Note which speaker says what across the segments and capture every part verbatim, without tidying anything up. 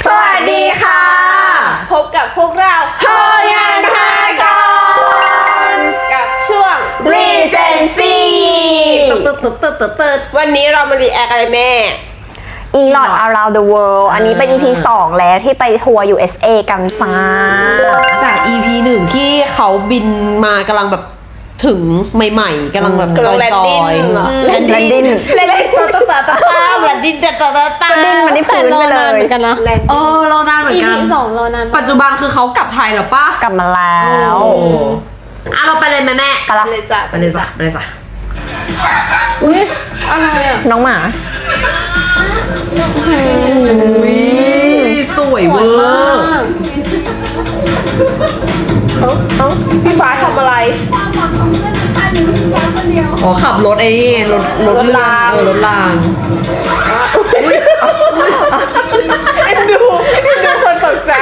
Speaker 1: สวัสดีค่ะ
Speaker 2: พบกับพวกเรา
Speaker 1: โฮงานพากร
Speaker 2: กับช่วง
Speaker 1: Regency
Speaker 2: ตึ๊ดตึ๊ดตึ๊ดตึ๊ดตึ๊ดวันนี้เรามารีแอคอะไรแม่
Speaker 1: อีลอด around the world อันนี้เป็น อี พี สองแล้วที่ไปทัวร์ ยู เอส เอ กันจ้า
Speaker 3: จาก อี พี หนึ่งที่เขาบินมากำลังแบบถึงใหม่ๆกำลังแบบจอยๆ
Speaker 2: แลนดิ้งเหรอ
Speaker 1: แลนดิ้ง
Speaker 3: แลนดิ้งตาตาตาตาตาแลนดิ้งตาตาตาตา
Speaker 1: ก็ดิ้นมาที่พื้นไปเลย
Speaker 2: กันนะ
Speaker 3: เออรอนานเหมือนกัน
Speaker 2: อี พี สองรอนาน
Speaker 3: ปัจจุบันคือเขากลับไทยแล้วป่ะ
Speaker 1: กลับมาแล้ว
Speaker 3: อ่ะเราไปเลยแม่แม่
Speaker 1: ไปละ
Speaker 2: เลยจ้ะ
Speaker 3: ไปเลยจ้ะไปเลยจ้ะ
Speaker 2: อุ้ยอะไรอ่ะ
Speaker 1: น้องหมา
Speaker 3: อุ้ยสวยเวอร์
Speaker 2: เอ้าเอ้าพี่ฟ้าทำอะไร
Speaker 3: อ๋อขับรถไอ้นี่รถรถ
Speaker 2: รถราง
Speaker 3: เออรถราง
Speaker 2: เอ็นดูเอ็นดูคนตกใจ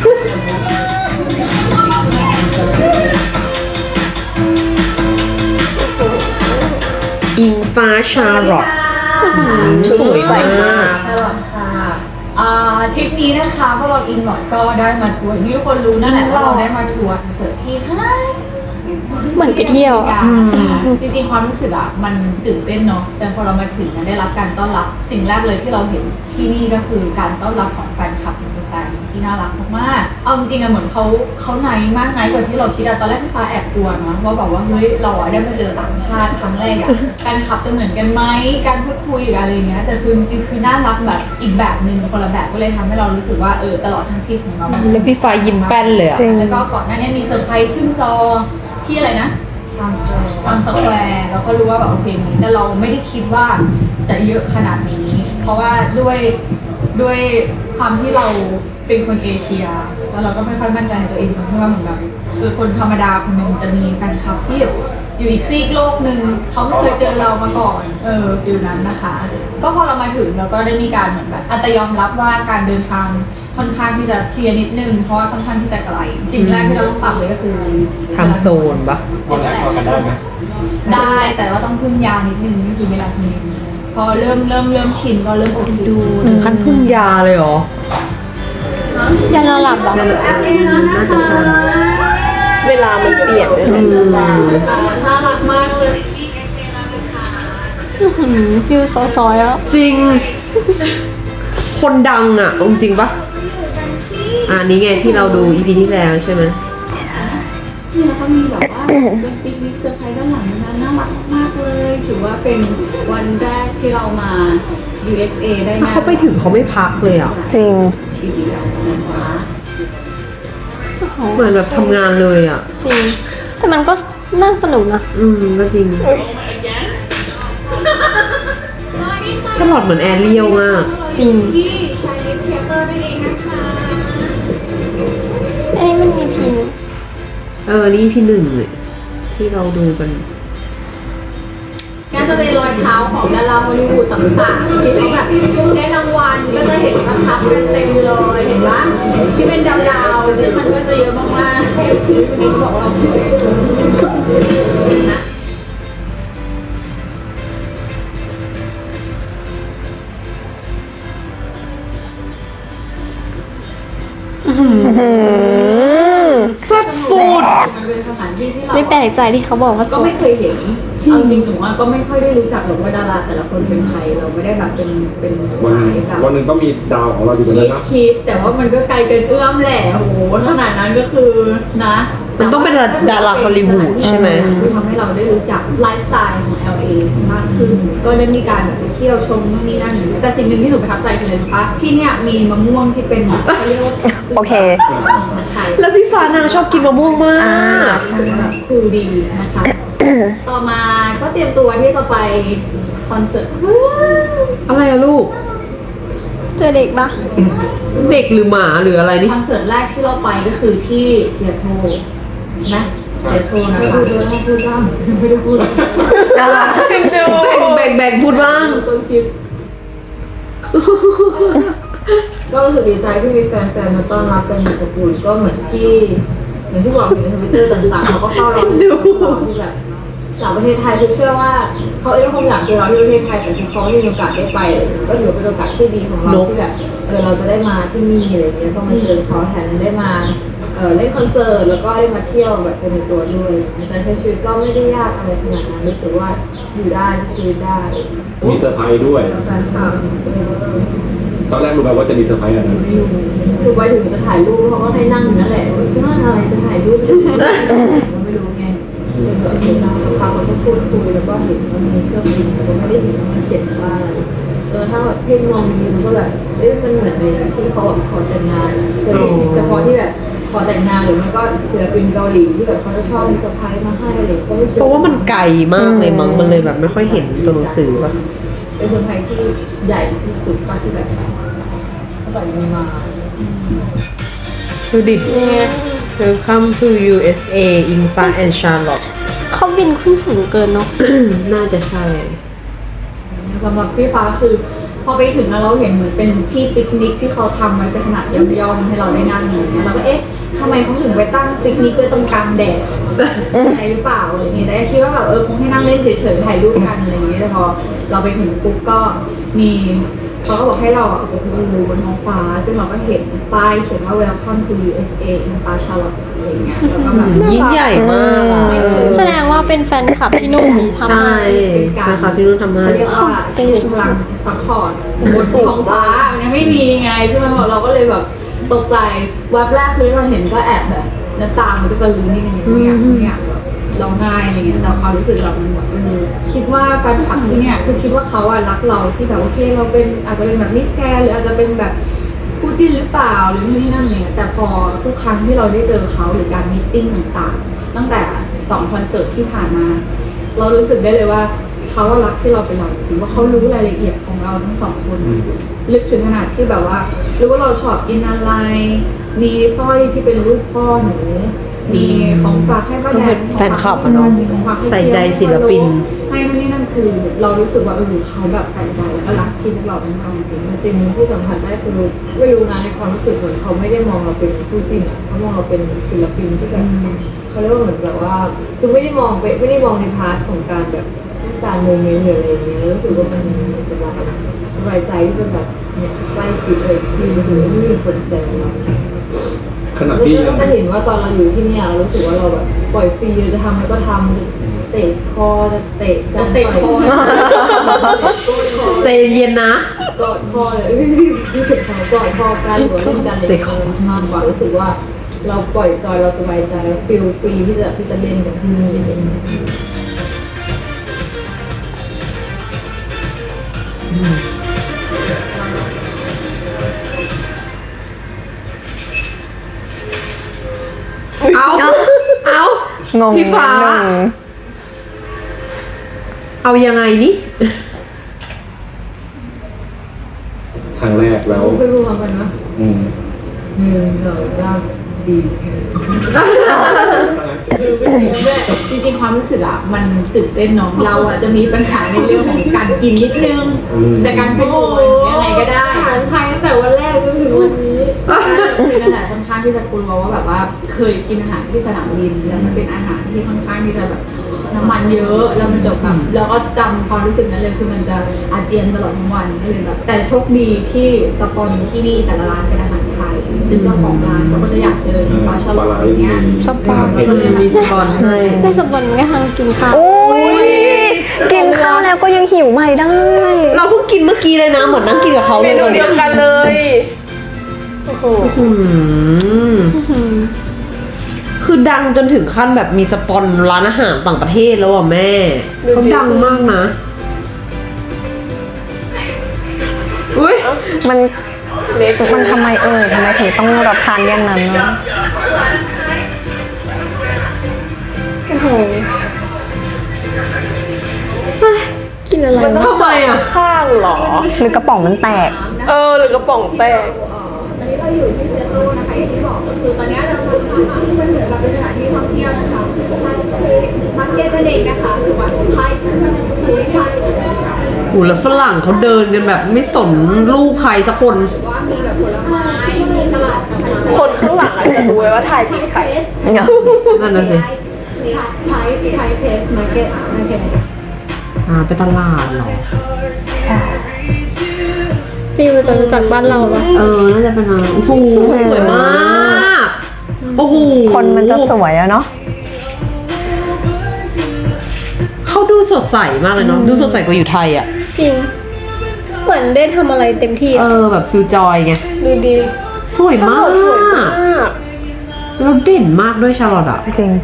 Speaker 3: อิงฟ้าชาร์ลอตสวยมาก
Speaker 4: ชาลอตค่ะอ่าทริปนี้นะคะพวกเราอินหลอดก็ได้มาทัวร์ที่ทุกคนรู้นั่นแหละว่าเราได้มาทัวร์คอนเสิร์ตที่ห้าง
Speaker 5: เหมือนไปเที่ยว
Speaker 4: จริงๆความรู้สึกอะมันตื่นเต้นเนาะแต่พอเรามาถึงได้รับการต้อนรับสิ่งแรกเลยที่เราเห็นที่นี่ก็คือการต้อนรับของแฟนคลับเป็นแฟนที่น่ารักมากๆเอาจริงๆอะเหมือนเขาเขาไนท์มากไนท์กว่าที่เราคิดอะตอนแรกพี่ฟ้าแอบกลัวนะว่าแบบว่าเฮ้ยเราอะได้มาเจอต่างชาติครั้งแรกอะแฟนคลับจะเหมือนกันไหมการพูดคุยหรืออะไรอย่างเงี้ยแต่คือจริงๆคือน่ารักแบบอีกแบบหนึ่งคนละแบบก็เลยทำให้เรารู้สึกว่าเออตลอดทั้งทริปของเรามัน
Speaker 3: แล้วพี่ฟ้ายิ้มแป้นเลยอ่ะ
Speaker 1: จริง
Speaker 4: แล้วก็ก่อนหน้านี้มีเซอร์ไพรส์ขึ้นจอที่อะไรนะตอนสแควร์เราก็รู้ว่าแบบโอเคมีแต่เราไม่ได้คิดว่าจะเยอะขนาดนี้ เพราะว่าด้วยด้วยความที่เราเป็นคนเอเชีย แล้วเราก็ไม่ค่อยมั่นใจในตัวเองเพราะว่าเหมือนแบบคือคนธรรมดาคนหนึ่งจะมีแฟนคลับที่อยู่อีกซีกโลกหนึ่งเขาไม่เคยเจอเรามาก่อนเออฟิลนั้นนะคะ ก็พอเรามาถึงเราก็ได้มีการเหมือนแบบอัตยอมรับว่าการเดินทางค่อนข้างที่จะเคลียร์นิดนึงเพราะว่าค่อนข้างที่จะไกลสิ่งแรกที่เราต้องปรับเลยก็คือ
Speaker 3: ทำโซนปะ
Speaker 4: วันแรกพอกันได้ไหมได้แต่ว่าต้องพึ่งยานิดนึงก็คือเวลาพึ่งพอเริ่มเริ่มเริ่มชินก็เริ่มโอเคดู
Speaker 3: ขั้นพึ่งยาเลยเหรอ
Speaker 5: ยานอนหลับเหรอ
Speaker 3: น่าจะใช่
Speaker 2: เวลามันเปลี่ยนเลย
Speaker 4: น่ารักมากเลย
Speaker 5: ฟิลซอยๆแล้ว
Speaker 3: จริง คนดังอ่ะเอาจริงปะอ่านี้ไงที่เราดู อี พี ที่แล้วใช่ไหม
Speaker 4: นี่แล้วก็มีแบบว่าเป็นปิกนิกเซอร์ไพรส์ด้านหลังนั้นน่ารักมากเลยถือว่าเป็นวันแรกที่เรามา ยู เอส เอ ได้นะ
Speaker 3: เขาไปถึงเขาไม่พักเลยอ่ะ
Speaker 1: จริง
Speaker 4: ทีเดียวนะคะ
Speaker 3: เหมือนแบบทำงานเลยอ่ะ
Speaker 5: จริง แต่มันก็น่าสนุกนะ
Speaker 3: อืมก็จริงชาร์ลอตเหมือนแอเรียลมาก
Speaker 5: จริง
Speaker 4: ที่ชายนิดเทเตอร์นั่นเองนะคะ
Speaker 5: อันนี้มันมีพิน
Speaker 3: เออ นี่พี่หนึ่งเลยที่เราดูกัน
Speaker 4: ก็จะเป็นรอยเท้าของดาราฮอลลีวูดต่างๆที่เขาแบบได้รางวัลก็จะเห็นว่าทับกันเต็มเลยเห็นปะที่เป็นดาวๆซึ่งมันก็จะเยอะมากๆวันนี้บอกเราสวยนะ
Speaker 3: แซ่บสุด
Speaker 4: มันเป็นสถานที่ที่เรา
Speaker 5: ไม่แปลกใจที่เขาบอกว่าส
Speaker 4: ก็
Speaker 5: วย
Speaker 4: ไม่เคยเห็นเอาจริงหนูว่าก็ไม่ค่อยได้รู้จักหรอกว่าดาราแต่ละคนเป็นใครเราไม่ได้แบบเป็นเป็น
Speaker 6: วัน
Speaker 4: สา
Speaker 6: หนึ่
Speaker 4: ย
Speaker 6: ง
Speaker 4: แบบ
Speaker 6: วันหนึ่งต้องมีดาวของเราอยู่บน
Speaker 4: คิ
Speaker 6: นั้
Speaker 4: ด
Speaker 6: นนะ
Speaker 4: คิดแต่ว่ามันก็ไกลเกินเอื้อมแหละโอ้โหขนาดนั้นก็คือนะ
Speaker 3: มันต้องเป็นดาราฮอลลีวูดใช่ไหม
Speaker 4: ที่ทำให้เราได้รู้จักไลฟ์สไตล์ของ แอล เอ มากขึ้น ก็ได้มีการแบบไปเที่ยวชมนู่นนี่นั่นอย่างเงี้ยแต่สิ่งหนึ่งที่หนูประทับใจคืออะไรรู้ปะที่เนี่ยมีมะม่วงที่เป็นเขาเรียกว่า
Speaker 1: โอเค
Speaker 4: ไทย
Speaker 3: แล้วพี่ฟ้านางชอบกินมะม่วงมา
Speaker 1: อ่า
Speaker 3: ก
Speaker 4: แบบคูลดีนะคะ ต่อมาก็เตรียมตัวที่จะไปคอนเสิร์ต
Speaker 3: อะไรอะลูก
Speaker 5: เจอเด็กปะ
Speaker 3: เด็กหรือหมาหรืออะไรนี่
Speaker 4: คอนเสิร์ตแรกที่เราไปก็คือที่เซียโตรใช่ไหมเซียโตรนะคะพูดด้วยพูดบ้างไม่ได้พูด
Speaker 3: แบ่งแบ่งแบ่งพูดบ้าง
Speaker 4: ต้นคลิปก็รู้สึกดีใจที่มีแฟนๆมาต้อนรับกันอย่างอบอุ่นก็เหมือนที่อย่างที่บอกอยู่ในทวิตเตอร์ต่างๆเขาก็เข้าเราดูที่แบบจากประเทศไทยคือเชื่อว่าเขาเองก็คงอยากเจอเราที่ประเทศไทยแต่คือเขาไม่มีโอกาสได้ไปก็ถือเป็นโอกาสที่ดีของเราที่แบบเออเราจะได้มาที่นี่อะไรเงี้ยก็มาเจอเขาแถมได้มาเออเล่นคอนเสิร์ตแล้วก็ได้มาเที่ยวแบบเป็นตัวด้วยแต่ใช้ชีวิตก็ไม่ได้ยากอะไรขนาดนั้นรู้สึกว่าอยู่ได้ใช้ชีวิตได้
Speaker 6: มีเซอร์ไพรส์ด้วย
Speaker 4: แฟนคลับ
Speaker 6: ตอนแรกรู้ไหมว่าจะมีเซอร์ไพรส์อะไร
Speaker 4: คือไปถึงจะถ่ายรูปเขาก็ให้นั่งอยู่นั่นแหละจะนั่งอะไรจะถ่ายรูปเราไม่รู้ไงจนแบบเห็นเราเขาเขาก็พูดคุยแล้วก็เห็นว่ามีเครื่องบินแต่ก็ไม่ได้เห็นว่ามันเขียนว่าอะไรเออถ้าแบบเพ่งมองดีมันก็แบบเอ๊ะมันเหมือนในที่เขาแบบขอแต่งงานเคยเห็นเฉพาะที่แบบขอแต่งงานหรือไม่ก็ศิลปินเกาหลีที่แบบเขาจะชอบมีเซอร์ไพรส์มาให้อะไรก็รู้สึก
Speaker 3: เพราะว่ามันไกลมากเลยมั้งมันเลยแบบไม่ค่อยเห็นตัวหนังสือป่ะ
Speaker 4: เป็นเซอร์ไพรส์ที่ใหญ่ที่สุดป่ะที่แบบตั้งแต่มีมา
Speaker 3: ดูดิ Welcome to ยู เอส เอ อิงฟ้า and Charlotte
Speaker 5: เขาบินขึ้นสูงเกินเนาะ
Speaker 3: น่าจะใช่
Speaker 4: สำหรับพี่ฟ้าคือพอไปถึงแล้วเราเห็นเหมือนเป็นที่ปิกนิกที่เขาทำไว้เป็นขนาดย่อมๆให้เราได้นั่งอย่างเงี้ยเราก็เอ๊ะทำไมเขาถึงไปตั้งปิกนิกไว้ตรงกลางแดดอะไรหรือเปล่าอะไรอย่างเงี้ยแต่คิดว่าแบบเออคงให้นั่งเล่นเฉยๆถ่ายรูปกันอะไรอย่างเงี้ยแต่พอเราไปถึงปุ๊บก็มีเขาก็บอกให้เราอ่ะไปดูบนท้องฟ้าซึ่งเราก็เห็นป้ายเขียนว่า Welcome to ยู เอส เอ in Far Charlotte อะไรอย่างเงี้ยแล้วก็แบบ
Speaker 3: ยิ่งใหญ่มากอะ
Speaker 5: แสดงว่าเป็นแฟนคลับที่นู่นทำ
Speaker 3: ใช่
Speaker 5: ให้
Speaker 4: เป็นการ
Speaker 3: นะคะที่นู่นทำให้
Speaker 4: เขาเรียกว่าชูพลังซัพพอร์ตบนท้องฟ้ามันยังไม่มีไงใช่ไหมเราก็เลยแบบตกใจแวบแรกคือเราเห็นก็แอบแบบน้ำตามันก็จะลื้นนิดนึงไม่อยากไม่อยากแบบร้องไห้อะไรเงี้ยแต่ความรู้สึกเรามันแบบเออคิดว่าแฟนคลับที่เนี่ยคือคิดว่าเขาอะรักเราที่แบบโอเคเราเป็นอาจจะเป็นแบบมิสแกรนด์หรืออาจจะเป็นแบบคู่จิ้นหรือเปล่าหรือนี่นี่นั่นอะไรเงี้ยแต่พอทุกครั้งที่เราได้เจอเขาหรือการมีตติ้งต่างๆตั้งแต่สองคอนเสิร์ตที่ผ่านมา เรารู้สึกได้เลยว่าเขารักที่เราเป็นเราจริงว่าเขารู้รายละเอียดของเราทั้งสองคนลึกถึงขนาดที่แบบว่ารู้ว่าเราชอบกินอะไรมีสร้อยที่เป็นรูปพ่อหนูมีของฝากให้ป้าแดง
Speaker 3: แฟนคลับอะเนาะใส่ใจศิลปิน
Speaker 4: ให้ไม่นี่นั่นคือ เรารู้สึกว่าเออเขาแบบใส่ใจแล้วก็รักที่พวกเราเป็นเราจริงๆสิ่งที่สัมผัสได้คือไม่รู้นะในความรู้สึกเหมือนเขาไม่ได้มองเราเป็นคู่จริงอ่ะเขามองเราเป็นศิลปินที่แบบเขาเรียกว่าเหมือนแบบว่าคือไม่ได้มองไปไม่ได้มองในพาร์ทของการแบบการโมเมนต์หรืออะไรอย่างเงี้ยรู้สึกว่ามันสบายสบายใจที่จะแบบเนี่ยใกล้ชิดเลยคือรู้สึกว่าไม่มีคนแซวเรา
Speaker 6: ขนาดพี่ยัง
Speaker 4: จะเห็นว่าตอนเราอยู่ที่เนี่ยเรารู้สึกว่าเราแบบปล่อยฟรีจะทำอะไรก็ทำเตะคอจะเตะจะเตะคอ
Speaker 3: ใจเย็นๆนะ
Speaker 4: กอดคอเลยพี่พี่พี่ถึงเขากอดคอกันหรือเล่นกันอะไรมากกว่ารู้สึกว่าเราปล่อยจอยเราสบายใจเราฟิลฟรีที่จะที่จะเล่นกับที่นี่อะไรอย่างเงี้ย
Speaker 3: เอาเอา
Speaker 1: งง
Speaker 3: พี่ฟ้า
Speaker 1: นิดนึง
Speaker 3: เอายังไงนี่
Speaker 6: ครั้งแรกแล้ว
Speaker 4: ไม่รู้เหมือนกันนะ
Speaker 6: อืม
Speaker 4: หนึ่งสองสามดีจริงๆความรู้สึกอะมันตื่นเต้นเนาะเราอะจะมีปัญหาในเรื่องของการกินนิดนึงแต่การไปโอยยังไงก็ได้อาหารไทยตั้งแต่วันแรกจนถึงวันนี้คือนั่นแหละค่อนข้างที่จะกลัวว่าแบบว่าเคยกินอาหารที่สนามบินแล้วมันเป็นอาหารที่ค่อนข้างที่จะแบบน้ำมันเยอะแล้วมันจบแบบแล้วก็จำความรู้สึกนั้นเลยคือมันจะอาเจียนตลอดทั้งวันก็เลยแบบแต่โชคดีที่สปอนที่นี่แต่ละร้านเป็นอาหารไทยซึ่งเจ้าของร้านเขาก็จะอยากเจอปลาฉลามอย่างเงี้ย
Speaker 5: สปอน
Speaker 6: เห็น
Speaker 4: ก็เลยแบบ
Speaker 3: มีสปอนให้
Speaker 5: ได้สปอนก็ทางกินข้าว
Speaker 1: โอ้ยกินข้าวแล้วก็ยังหิวใหม่ได้
Speaker 3: เราเพิ่งกินเมื่อกี้เลยนะ เหมือนนั่งกินกับเขา
Speaker 2: เม
Speaker 3: เลย
Speaker 2: นู
Speaker 3: ตอน
Speaker 2: เดี
Speaker 3: เนี้
Speaker 2: ย
Speaker 3: ยว
Speaker 2: กันเลยโอ้โห
Speaker 3: อืมคือดังจนถึงขั้นแบบมีสปอนร้านอาหารต่างประเทศแล้วอ่ะแม่เขาดังมากนะอุ้ย
Speaker 1: มันมันทำไมเออทำไมถึงต้องรับทานอย่างนั้นเนาะ
Speaker 5: กินอะไร
Speaker 2: มัน
Speaker 5: วะ
Speaker 2: ต้องไปอ่ะข้างเหรอ
Speaker 1: หรือกระป๋องมันแตก
Speaker 2: เออหรือกระป๋องแตก
Speaker 4: ตอนนี้เราอยู่ที่เซโต้นะคะอย่างที่บอกก็คือตอนนี้เราทำสถานที่มันเหมือนกับเป็นสถานที่ท่องเที่ยวนะคะมาร์เก็ตนั่นเองนะคะคือว่าไทยไทย
Speaker 3: โอ้แล้วฝรั่งเขาเดินกันแบบไม่สนลูกใครสักคน
Speaker 4: ว่ามีแบบผลไม้มีตลาดกาแฟ
Speaker 2: คนข้างหลังอาจจะรู้ไว้ว่าถ่ายที่ใคร
Speaker 3: นั่นน่ะสิ
Speaker 4: แไทยไทยเพสมาร์เก็ตโอเค
Speaker 3: อ่าไปตลาดเหรอ
Speaker 1: ใช่
Speaker 5: ฟีลจะจากบ้านเราปะ
Speaker 3: เออ น่าจะเป็นอะไรโอ้โหสวยมาก โอ้โห
Speaker 1: คนมันจะสวยอะเนาะ
Speaker 3: เขาดูสดใสมากเลยเนาะ ดูสดใสกว่าอยู่ไทยอ่ะ
Speaker 5: จริง เหมือนได้ทำอะไรเต็มที่
Speaker 3: เอ
Speaker 5: อะ
Speaker 3: อ แบบฟิลจอยไง
Speaker 2: ดูดี
Speaker 3: สวยมาก
Speaker 2: สวยมาก
Speaker 3: แล้วเด่นมากด้วยชาร์ลอตอ่ะ
Speaker 1: จริง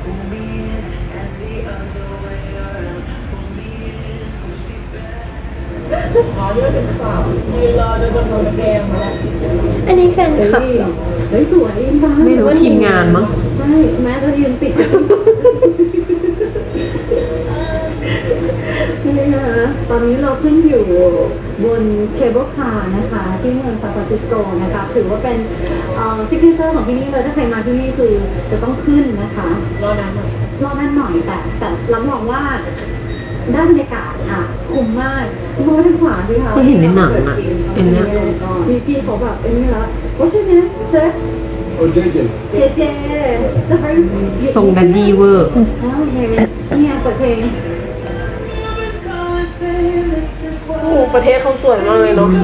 Speaker 5: อันนี้แฟนคลับเหรอ
Speaker 3: ไม่รู้ทีมงานมั้ง
Speaker 7: นี่นะคะตอนนี้เราขึ้นอยู่บนเคเบิลคาร์นะคะที่เมืองซานฟรานซิสโกนะคะถือว่าเป็นซิกเนเจอร์ของที่นี่เลยถ้าใครมาที่นี่คือจะต้องขึ้นนะคะรอนานหน่อยรอนานหน่อยแต่แต่รับรองว่าด้านบรรยากาศอ่ะคุ้มมากมองด้านขวาดิค่ะ
Speaker 3: คือเห็นในหนังอะเห็นเนี่ย
Speaker 7: พี่พี่เขาแบบเป็นนี่แล้วโอ้ใช่ไหมเชฟ
Speaker 6: โอ้เจ๊เจ๊
Speaker 7: เจเจจะไป
Speaker 3: ทรงดันดี้เวอร์
Speaker 7: โอเคเนี่ยเปิดเพลง
Speaker 2: โอ้โหประเทศเขาสวยมากเลยเนาะ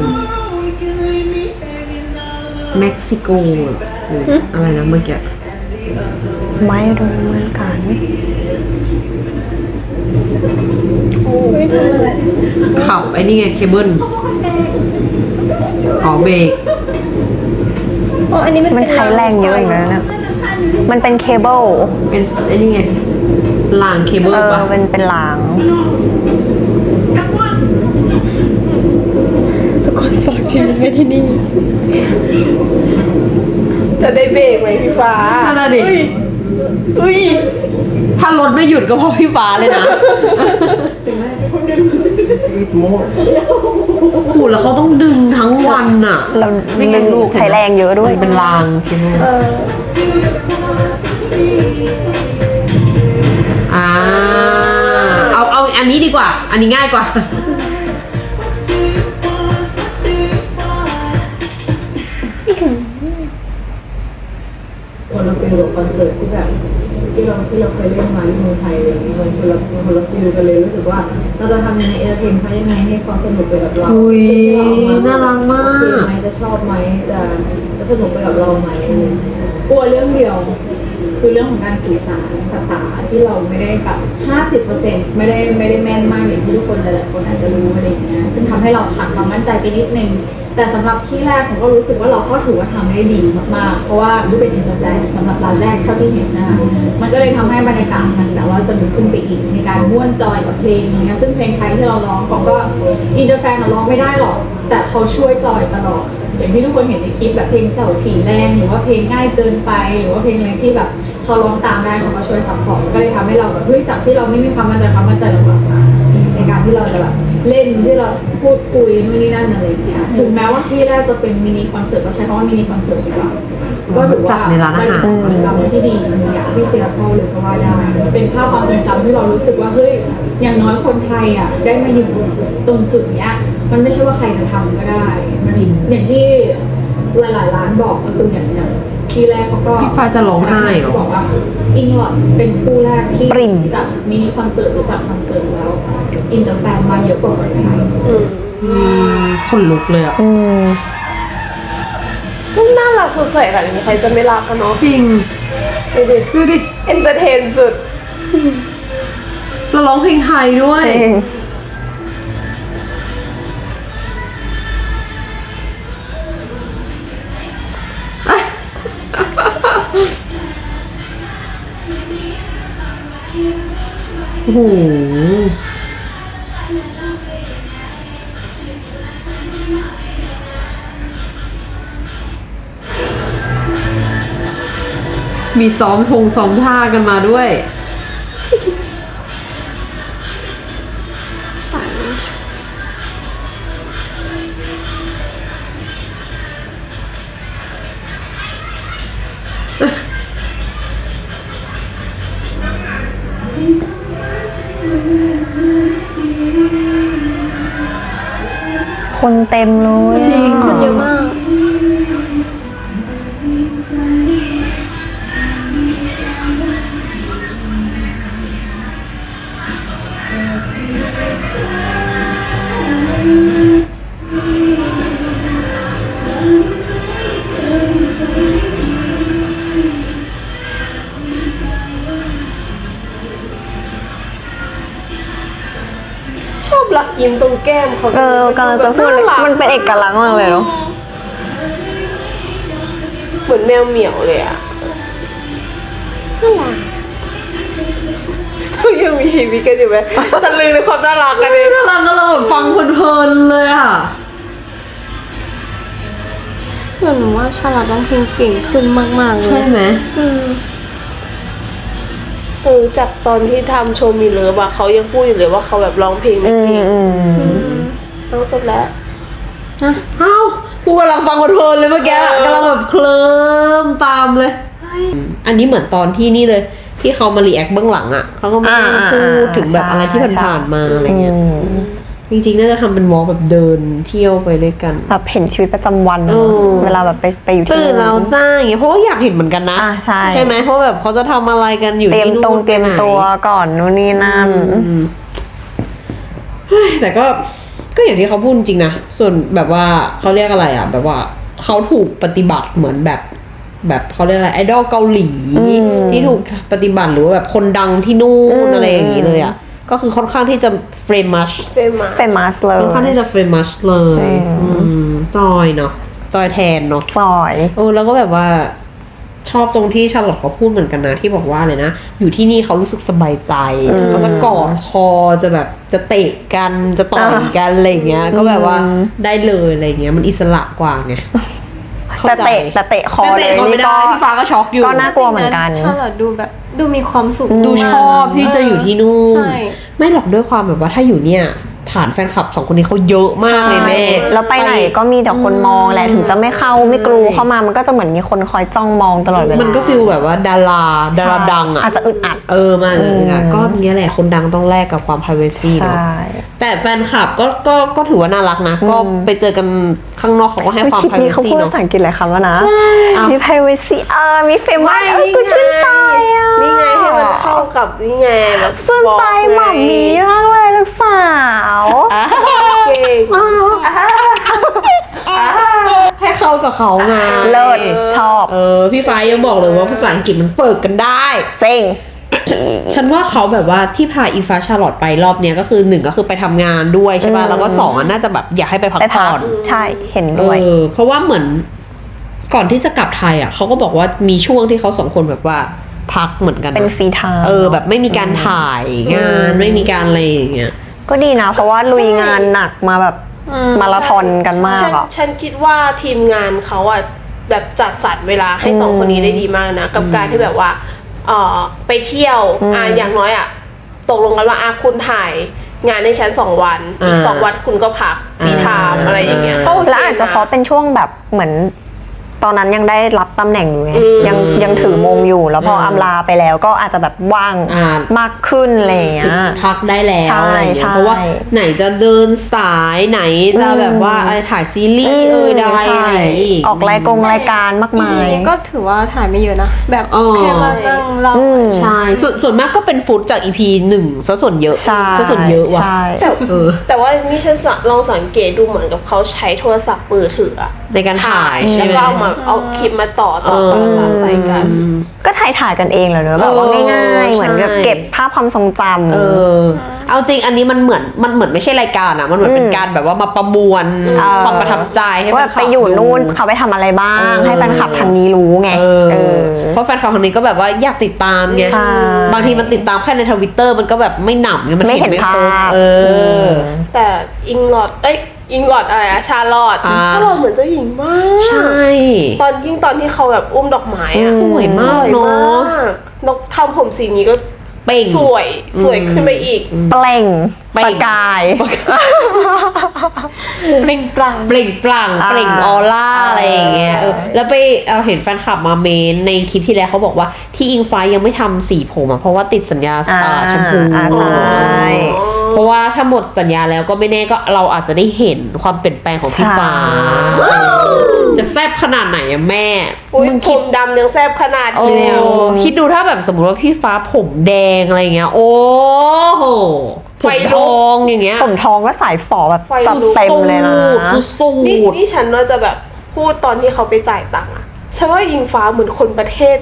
Speaker 3: เม็กซิโกหรืออะไรนะเมื่อกี้
Speaker 1: ไม่รู้เหมือนกัน
Speaker 5: ไม่ทำอะไร
Speaker 3: ขับไอ้นี่ไงเคเบิลอ๋อเบรก
Speaker 5: อ๋ออันนี้มัน
Speaker 1: มัน
Speaker 5: เป็น
Speaker 1: ใช้แรงเยอะอย่างนั้นนะมันเป็นเคเบิล
Speaker 3: เป็นไอ้นี่ไงรางเคเบิล
Speaker 1: เออ
Speaker 3: ปะ
Speaker 1: เป็นเป็นราง
Speaker 5: ทุกคนฝากชีวิตไว้ที่นี่
Speaker 2: จะได้เบรกไหมพี่ฟ้า
Speaker 3: นั่นน่ะดิ
Speaker 2: อุ้ย
Speaker 3: ถ้ารถไม่หยุดก็เพราะพี่ฟ้าเลยนะโอ้โหแล้วเขาต้องดึงทั้งวันอ่ะ
Speaker 1: เรา
Speaker 3: ไม่งั้นลูก
Speaker 1: ใช้แรงเยอะด้วย
Speaker 3: เป็นรางเคเบิลอ่าเอาเอาอันนี้ดีกว่า อันนี้ง่ายกว่า
Speaker 7: คนละฟิลกับคอนเสิร์ตที่แบบที่เราที่เราเคยเล่นมาที่เมืองไทยอะไรอย่างเงี้ยมันคนละมันคนละฟิลกันเลยรู้สึกว่าเราจะทำยังไงเอเตอร์เทนเขายังไงให้เขาสนุกไปกับเรา
Speaker 3: อุ๊ย
Speaker 7: ที่เออ
Speaker 3: น่ารักมาก
Speaker 7: โอเคไหมจะชอบไหมจะจะสนุกไปกับเราไหมกลัวเรื่องเดียวคือเรื่องของการสื่อสารภาษาที่เราไม่ได้แบบห้าสิบเปอร์เซ็นต์ไม่ได้ไม่ได้แม่นมากอย่างที่ทุกคนหลายๆคนอาจจะรู้อะไรอย่างเงี้ยซึ่งทำให้เราขาดความมั่นใจไปนิดนึง แต่สำหรับที่แรกผมก็รู้สึกว่าเราก็ถือว่าทำได้ดีมากๆ เพราะว่าดูเป็นอินเตอร์แบรนด์สำหรับร้านแรกเท่าที่เห็นนะคะมันก็เลยทำให้บรรยากาศมันแบบว่าสนุกขึ้นไปอีกในการม่วนจอยกับเพลงอย่างเงี้ยซึ่งเพลงไทยที่เราร้องเขาก็อินเตอร์แฟนร้องไม่ได้หรอก แต่เขาช่วยจอยตลอด อย่างที่ทุกคนเห็นในคลิปแบบเพลงเจ้าถี่แรงหรือว่าเพลงง่ายเกินไป หรือว่าเพลงอะไรที่แบบเขาร้องตามได้เขาก็ช่วยซัพพอร์ตก็เลยทำให้เราแบบเฮ้ยจากที่เราไม่มีความมั่นใจความมั่นใจเรากลับมาในการที่เราจะแบบเล่นที่เราพูดคุยนู่นนี่นั่นอะไรอย่างเงี้ยถึงแม้ว่าที่แรกจะเป็นมินิคอนเสิร์ตก็ใช้คำว่ามินิคอนเสิร์ตดีกว่าก็ถือว่า
Speaker 3: จัดในร้านอาหาร
Speaker 7: เป็นกิจกรรมที่ดีอย่างที่เชียร์พ่อเลยก็ว่าได้เป็นภาพความทรงจำที่เรารู้สึกว่าเฮ้ยอย่างน้อยคนไทยอ่ะได้มาอยู่ตรงจุดเนี้ยมันไม่ใช่ว่าใครจะทำก็ได้มันอย่างที่หลายๆร้านบอกก็คืออย่างเนี้ยที่แรกเขาก็
Speaker 3: พี่ฟ้าจะร้องไห้เหรอ
Speaker 7: บอกว่าอิงหลอดเป็นคู่แรกที่
Speaker 1: ปริ่ม
Speaker 7: จัดมินิคอนเสิร์ตหรือจัดคอนเสิร์ตแล้วอินเตอร์แฟนมาเยอะกว่าคนไทย
Speaker 3: คนลุกเลยอ่ะ
Speaker 1: อืม
Speaker 2: น่ารักสดใสขนาดนี้ใครจะไม่รักกันเนาะ
Speaker 3: จริง
Speaker 2: ดูดิ
Speaker 3: ดูดิ
Speaker 2: เอนเตอร์เทนสุด
Speaker 3: เราร้องเพลงไทยด้วย
Speaker 1: จริง
Speaker 3: โอ้โห มีซ้อมทงซ้อมท่ากันมาด้วย
Speaker 1: คนเต็มเลย
Speaker 3: จริง
Speaker 5: คนเยอะมาก
Speaker 3: โ
Speaker 2: ยิ้มตรงแก้มเขา
Speaker 1: เออกำลังจะพูดเลย
Speaker 2: ารัก
Speaker 1: มันเป็นเอกลักษณ์มากเลยเนาะ
Speaker 2: เหมือนแมวเหมียวเลยอะเขายังมีชีวิตกันอยู่ไหมตะลึงในความน่ารักกันเลย
Speaker 3: กำลังกำลังแบบฟังเพลินๆเลยอ่ะ
Speaker 5: เหมือนว่าชาลอตร้องเพลงเก่งขึ้นมากๆเล
Speaker 3: ใช่
Speaker 5: ย
Speaker 3: ไหม
Speaker 2: เออจากตอนที่ทำโชว์มีเลิฟอะเขายังพูดอยู่เลยว่าเขาแบบร้องเพลงไม่
Speaker 1: อืม
Speaker 2: เก่ง
Speaker 1: อืม
Speaker 2: ต้องจบแล้ว
Speaker 3: เอ้ากูกำลังฟังเพลินๆเลยเมื่อกี้กำลังแบบเคลิ้มตามเลย อันนี้เหมือนตอนที่นี่เลย ที่เขามารีแอคเบื้องหลังอ่ะเขาก็มานั่งพูดถึงแบบอะไรที่ผ่านๆมาอะไรเงี้ย
Speaker 1: อืม
Speaker 3: จริงๆน่าจะทำเป็นวอล์กแบบเดินเที่ยวไปด้วยกัน
Speaker 1: แบบเห็นชีวิตประจำวัน
Speaker 3: เออ
Speaker 1: เวลาแบบไปไปอยู่ที่
Speaker 3: ตื่นแล้วจ้าอย่างเงี้ยเพราะว่าอยากเห็นเหมือนกันนะ
Speaker 1: อ่ะใช่
Speaker 3: ไหมเพราะแบบเขาจะทำอะไรกันอยู่
Speaker 1: เตรียม
Speaker 3: ที่นู่น
Speaker 1: ตรงเตรียม
Speaker 3: ไปไหน
Speaker 1: ตัวก่อนนู่นนี่นั่น
Speaker 3: อืมเฮ้ยแต่ก็ก็อย่างที่เขาพูดจริงนะส่วนแบบว่าเขาเรียกอะไรอ่ะ แบบว่าเขาถูกปฏิบัติเหมือนแบบ แบบเขาเรียกอะไรไอดอลเกาหลี
Speaker 1: อืม
Speaker 3: ที่ถูกปฏิบัติหรือว่าแบบคนดังที่นู่
Speaker 1: อื
Speaker 3: น
Speaker 1: ม
Speaker 3: อะไรอย่างนี้เลยอ่ะก็คือค่อนข้างที่จะเฟรมัช
Speaker 2: เฟมา
Speaker 1: เฟมัสเลย
Speaker 3: ค่อนข้างที่จะเฟรมัชเลย
Speaker 1: อืม
Speaker 3: อืมจอยเนาะจอยแทนเนาะ
Speaker 1: ซอย
Speaker 3: เออแล้วก็แบบว่าชอบตรงที่ชาร์ลอตเขาพูดเหมือนกันนะที่บอกว่าเลยนะอยู่ที่นี่เขารู้สึกสบายใจ
Speaker 1: อืม
Speaker 3: เขาจะกอดคอจะแบบจะเตะกันจะต่อยกันอะไรอย่างเงี้ย ก็แบบว่า
Speaker 1: อืม
Speaker 3: ได้เลยอะไรเงี้ยมันอิสระกว่าไงเข้า
Speaker 1: แต่
Speaker 3: ใจ
Speaker 1: เตะแต่เตะคอ
Speaker 3: แต่
Speaker 1: เล
Speaker 3: เตะ
Speaker 1: ย
Speaker 3: เขาไม่
Speaker 1: นี่
Speaker 3: ได้
Speaker 1: ก็
Speaker 3: พี่ฟ้าก็ช็อกอยู่
Speaker 1: ก็น่ากลัวเหมือนกัน
Speaker 5: ชาลอตดูแบบดูมีความสุข
Speaker 3: ดูชอบที่จะอยู่ที่นู่น
Speaker 5: ใช่
Speaker 3: ไม่หรอกด้วยความแบบว่าถ้าอยู่เนี่ยฐานแฟนคลับสองคนนี้เขาเยอะมากเลยแม่
Speaker 1: แล้วไปไหนก็มีแต่คนมองแหละถึงจะไม่เข้าไม่กลูเข้ามามันก็จะเหมือนมีคนคอยจ้องมองตลอดเวลา
Speaker 3: มันก็ฟีลแบบว่าดาราดาราดังอ่ะ
Speaker 1: อาจจะอึดอัด
Speaker 3: เออมาอึดอัด
Speaker 1: อืม
Speaker 3: ก็เนี้ยแหละคนดังต้องแลกกับความ privacy
Speaker 1: ใช
Speaker 3: เนาะ
Speaker 1: ่
Speaker 3: แต่แฟนคลับก็ก็ก็ถือว่าน่ารักนะ ก็ไปเจอกันข้างนอกเขาก็ให้ความ
Speaker 1: คลิปนี้เขา
Speaker 3: privacy
Speaker 1: พูด
Speaker 3: เนาะ
Speaker 1: ภาษาอังกฤษหลายคำแล้วนะ
Speaker 3: อ้าว
Speaker 1: มี privacy เออมี famous เออกูชื่นใจอ่ะ
Speaker 2: นี่ไงให้มันเข้ากับนี่ไงแบบ
Speaker 1: ชื่นใจหม่อมมีมากเลยลูกสาว
Speaker 2: เก่ง
Speaker 3: ให้เข้ากับเขาไง
Speaker 1: เลิศชอบ
Speaker 3: เออพี่ฟ้ายังบอกเลยว่าภาษาอังกฤษมันเฟิกกันได้
Speaker 1: จริง
Speaker 3: ฉันว่าเขาแบบว่าที่พาอีฟ้าชาร์ลอตไปรอบเนี้ยก็คือหนึ่งก็คือไปทำงานด้วยใช่ป่ะ
Speaker 1: อืม
Speaker 3: แล้วก็สองอ่ะน่าจะแบบอยากให้ไปพัก
Speaker 1: ไปพั
Speaker 3: ผ่
Speaker 1: ก
Speaker 3: อน
Speaker 1: ใช่เห็น
Speaker 3: เอ
Speaker 1: ด้วย
Speaker 3: อเพราะว่าเหมือนก่อนที่จะกลับไทยอ่ะเขาก็บอกว่ามีช่วงที่เขาสองคนแบบว่าพักเหมือนกันนะ
Speaker 1: เป็นฟรีไทม์
Speaker 3: เออแบบไม่มีการถ่ายงาน
Speaker 1: อืม
Speaker 3: ไม่มีการอะไรอย่างเงี้ย
Speaker 1: ก็ดีนะ เพราะว่าลุยงานหนักมาแบบมาราธอนกันมาก
Speaker 2: ฉัน
Speaker 1: อ่ะ
Speaker 2: ฉันคิดว่าทีมงานเขาอะแบบจัดสรรเวลาให้สองคนนี้ได้ดีมากนะ กับการที่แบบว่าเออไปเที่ยว
Speaker 1: อืม
Speaker 2: อ่ะอย่างน้อยอะตกลงกันว่าอ่ะคุณถ่ายงานในชั้นสองวันอีก
Speaker 3: อ่า
Speaker 2: สองวันคุณก็พักฟรีไทม์
Speaker 3: อ่า
Speaker 2: อะไรอย่างเงี้ย
Speaker 3: อ่า
Speaker 2: ก็โค
Speaker 1: และอาจจะเพราะเป็นช่วงแบบเหมือน ตอนนั้นยังได้รับตำแหน่งอยู่ไง
Speaker 2: อืม
Speaker 1: ยังยังถือมงอยู่แล้วพออ
Speaker 3: ม
Speaker 1: อำลาไปแล้วก็อาจจะแบบว่าง
Speaker 3: อ่าม
Speaker 1: มากขึ้นอะไรอย่างเงี้
Speaker 3: ถึง
Speaker 1: ย
Speaker 3: พักได้แล้ว
Speaker 1: ใช่
Speaker 3: อะไรอย่างเงี้
Speaker 1: ใช่
Speaker 3: ยเพราะว่าไหนจะเดินสายไหนจะ
Speaker 1: อืม
Speaker 3: แบบว่าอะไรถ่ายซีรีส์เอ่ยใด
Speaker 1: ใช่
Speaker 3: อะไรอีก
Speaker 1: ออกรายกงรายการมากมาย
Speaker 5: นี้ก็ถือว่าถ่ายไม่เยอะนะ แบบ
Speaker 3: อ๋อ
Speaker 5: แค่มานั่งเล่า
Speaker 1: อืม
Speaker 3: ใช่ส่วนส่วนมากก็เป็นฟุตจาก อี พี หนึ่งซะส่วนเยอะ
Speaker 1: ใช่
Speaker 3: ซะส่วนเยอะว่ะ
Speaker 1: ใช่
Speaker 3: เออ
Speaker 2: แต่ว่านี่ฉันสังลองสังเกตดูเหมือนกับเขาใช้โทรศัพท์มือถืออะ
Speaker 3: ในการถ่ายใช่
Speaker 2: แล้ว
Speaker 3: ไหม
Speaker 2: ก็เอามาเอาคลิปมาต่อต่อต่อต่อใส่กัน
Speaker 3: อืม
Speaker 1: ก็ถ่ายถ่ายกันเองเหรอเนอะแบบว่า
Speaker 3: เออ
Speaker 1: ง่ายๆ เหมือนแบบ
Speaker 3: ใช่
Speaker 1: เก็บภาพความทรงจำ
Speaker 3: เออ เอาจริงอันนี้มันเหมือนมันเหมือนไม่ใช่รายการอะมันเหมือนเป็นการแบบว่ามาประมวล
Speaker 1: เออ
Speaker 3: ความประทับใจให้
Speaker 1: ว่า
Speaker 3: แฟนคลับ
Speaker 1: ไปอยู่นู่น
Speaker 3: ดู
Speaker 1: เขาไปทำอะไรบ้าง
Speaker 3: เออ
Speaker 1: ให้แฟนคลับทางนี้รู้ไง
Speaker 3: เออ
Speaker 1: เออ
Speaker 3: เพราะแฟนคลับคนนี้ก็แบบว่าอยากติดตามไง
Speaker 1: ใช่
Speaker 3: บางทีมันติดตามแค่ในทวิตเตอร์มันก็แบบไม่หนำไงมัน
Speaker 1: ไม่เห็น
Speaker 3: ไม่ครบ
Speaker 1: ภาพ
Speaker 3: เออ
Speaker 2: แต่อิงลอดเอ้ยอิงลอดอะไรอะชาลอด
Speaker 3: อ่า
Speaker 2: ชาลอดเหมือนเจ้าหญิงมาก
Speaker 3: ใช่
Speaker 2: ตอนยิ่งตอนที่เขาแบบอุ้มดอกไม้อะ
Speaker 3: สวยมากเนอะ
Speaker 2: สวยมากนกทำผมสีนี้ก็
Speaker 3: เป่ง
Speaker 2: สวยสวยขึ้นไปอีก
Speaker 1: เปล่ง
Speaker 3: เปล่ง
Speaker 1: ประกาย
Speaker 5: เปล่งปลั่ง
Speaker 3: เปล่งปลั่ง
Speaker 1: อ่า
Speaker 3: เปล่งออร่า
Speaker 1: อ่า
Speaker 3: อะไรอย่างเงี้ยเออแล้วไปเอาเห็นแฟนคลับมาเมนในคลิปที่แล้วเขาบอกว่าที่อิงฟ้ายังไม่ทำสีผมอะเพราะว่าติดสัญญา
Speaker 1: อ่า
Speaker 3: อ่าแชมพู
Speaker 1: อ่าใช่
Speaker 3: เพราะว่าถ้าหมดสัญญาแล้วก็ไม่แน่ก็เราอาจจะได้เห็นความเปลี่ยนแปลงของพี่ฟ้าเออจะแซ่บขนาดไหนอะแม่
Speaker 2: อุ้ย
Speaker 3: มึง
Speaker 2: ผ
Speaker 3: คิด
Speaker 2: มดำยังแซ่บขนาด
Speaker 3: โอ้
Speaker 2: นี้แล้ว
Speaker 3: คิดดูถ้าแบบสมมติว่าพี่ฟ้าผมแดงอะไรเงี้ย โอ้โหผมทองอย่างเงี้ย
Speaker 1: ผมทองก็สายฝอแบบ
Speaker 2: ไฟ
Speaker 1: สัดเต็มเลยนะ
Speaker 3: สุดสูด
Speaker 2: นี่นี่ฉันว่าจะแบบพูดตอนที่เขาไปจ่ายตังค์อะฉันว่าอิงฟ้าเหมือนคนประเทศ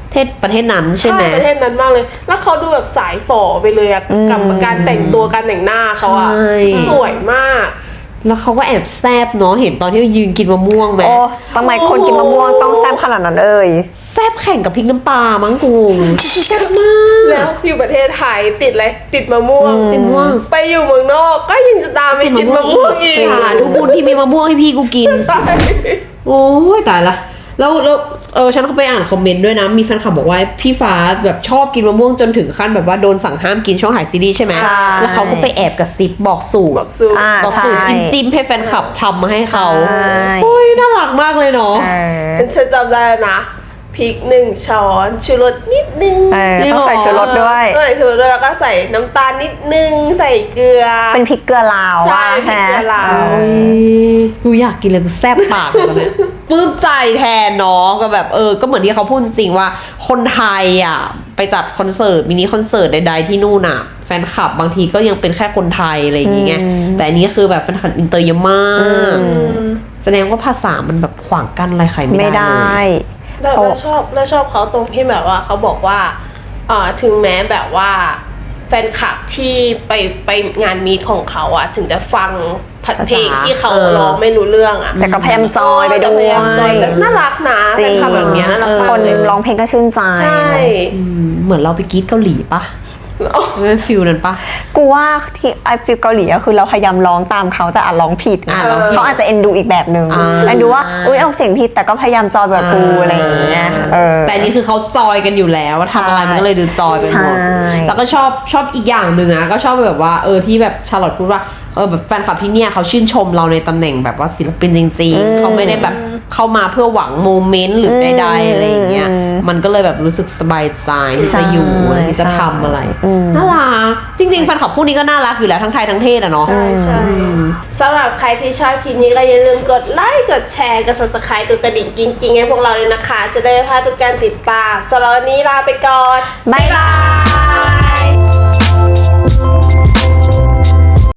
Speaker 3: เทศประเทศนั้นใช่ไหม
Speaker 2: ประเทศนั้นมากเลย แล้วเขาดูแบบสายฝ่อไปเลยอะกับการแต่งตัวการแต่งหน้าเขาอะ
Speaker 3: ใช่
Speaker 2: สวยมาก
Speaker 3: แล้วเขาก็แอบแซบเนาะเห็นตอนที่ยืนกินมะม่วงไหม
Speaker 1: โอ้ทำไมคนกินมะม่วงต้องแซ่บขนาดนั้นเอ่ย
Speaker 3: แซบแข่งกับพริกน้ำปลามั้งกูแซบมาก
Speaker 2: แล้วอยู่ประเทศไทยติดอะไรติดมะม่วง
Speaker 3: ติดมะม่วง
Speaker 2: ไปอยู่เมืองนอกก็ยังจะตามไปกินมะม่วงอีก
Speaker 3: ค่ะทุกบุญที่มีมะม่วงให้พี่กูกิน
Speaker 2: ใช่
Speaker 3: โอ้ยตายละแล้วแล้วเออฉันก็ไปอ่านคอมเมนต์ด้วยนะมีแฟนคลับบอกว่าพี่ฟ้าแบบชอบกินมะม่วงจนถึงขั้นแบบว่าโดนสั่งห้ามกินช่วงถ่ายซีรีส์ใช่ไหม
Speaker 1: ใช่
Speaker 3: แล้วเขาก็ไปแอบกระซิบบอกสูตร
Speaker 2: บอกสูตร
Speaker 1: อ่า
Speaker 3: บอกสูตร
Speaker 1: ใช่
Speaker 3: จิ้มๆให้แฟนคลับทำมาให้เขา
Speaker 1: ใช่
Speaker 3: โอ้ยน่ารักมากเลยเนาะ
Speaker 1: เออ
Speaker 2: ฉันจำได้นะพริกหนึ่งช้อนชูรสนิดนึง
Speaker 1: เออต้องใส่ชูรสด้วย
Speaker 2: ใส่ชูรสด้วยแล้วก็ใส่น้ำตาลนิดนึงใส่เกลือ
Speaker 1: เป็นพริกเกลือลาว
Speaker 2: ใช่
Speaker 1: ว่า
Speaker 2: พริกเกลือลาว
Speaker 1: ฮะ
Speaker 3: กูอยากกินเลยกูแซ่บปากเลยตอนเนี้ย ปลื้มใจแทนเนาะก็แบบเออก็เหมือนที่เขาพูดจริงว่าคนไทยอ่ะไปจัดคอนเสิร์ตมินิคอนเสิร์ตใดๆที่นู่นอ่ะแฟนคลับบางทีก็ยังเป็นแค่คนไทยอะไรอย่างเงี้ยแต่อันนี้คือแบบแฟนคลับอินเตอร์เยอะมากแสดงว่าภาษามันแบบขวางกั้นอะไรใครไม่
Speaker 1: ไม่
Speaker 3: ได้
Speaker 1: ได้
Speaker 3: เลย
Speaker 2: แล้วแล้วชอบแล้วชอบเขาตรงที่แบบว่าเขาบอกว่าอ่าถึงแม้แบบว่าแฟนคลับที่ไปไปงานมีตของเขาอะถึงจะฟังเพลงที่เขาร้องไม่รู้เรื่องอะ
Speaker 1: แต่ก็พยายามจอยไปด้
Speaker 2: แต่
Speaker 1: ว
Speaker 2: พยายามจอย
Speaker 1: ย
Speaker 2: แต่น่ารักนะ
Speaker 1: จ
Speaker 2: แฟ
Speaker 1: ริ
Speaker 2: น
Speaker 1: ง
Speaker 2: คลับแบบเนี้ยน่ารัก
Speaker 1: คน
Speaker 2: มากเลย
Speaker 1: ร้องเพลงก็ชื่นใจ
Speaker 2: ใช่
Speaker 3: อืมเหมือนเราไปกรีดเกาหลีปะไม่ฟิลนั้นปะ
Speaker 1: กูว่าที่ไอฟิลเกาหลีก็คือเราพยายามร้องตามเขาแต่อาจร้องผิด
Speaker 3: อ่ะ
Speaker 1: นะ
Speaker 3: ร้องผิด
Speaker 1: เขาอาจจะเอ็นดูอีกแบบหนึ่ง
Speaker 3: อ่า
Speaker 1: เอ็นดูว่าอุ้ยออกเสียงผิดแต่ก็พยายามจอยแบบกูอะไรอย่างเงี้ยเออ
Speaker 3: แต่อันนี่คือเขาจอยกันอยู่แล้วทำอะไรมันก็เลยดูจอยไปหมด
Speaker 1: ใช่
Speaker 3: แล้วก็ชอบชอบอีกอย่างหนึ่งนะก็ชอบแบบว่าเออที่แบบชาร์ลอตพูดว่าเออแบบแฟนคลับที่เนี่ยเขาชื่นชมเราในตำแหน่งแบบว่าศิลปินจริงๆเขาไม่ได้แบบเข้ามาเพื่อหวังโมเมนต์หรือใดๆอะไรอย่างเงี้ยมันก็เลยแบบรู้สึกสบายใจที่จะอยู่ที่จะทำอะไรน่ารักจริงๆแฟนคลับพวกนี้ก็น่ารักอยู่แล้วทั้งไทยทั้งเทศอะเนาะ
Speaker 2: ใช่ใช่สำหรับใครที่ชอบคลิปนี้ก็อย่าลืมกดไลค์กดแชร์กด ซับสไครบ์ กดกระดิ่งกิ๊งๆให้พวกเราเลยนะคะ จะได้ไม่พลาดทุกการติดตามสำหรับวันนี้ลาไปก่อน
Speaker 1: บ๊ายบาย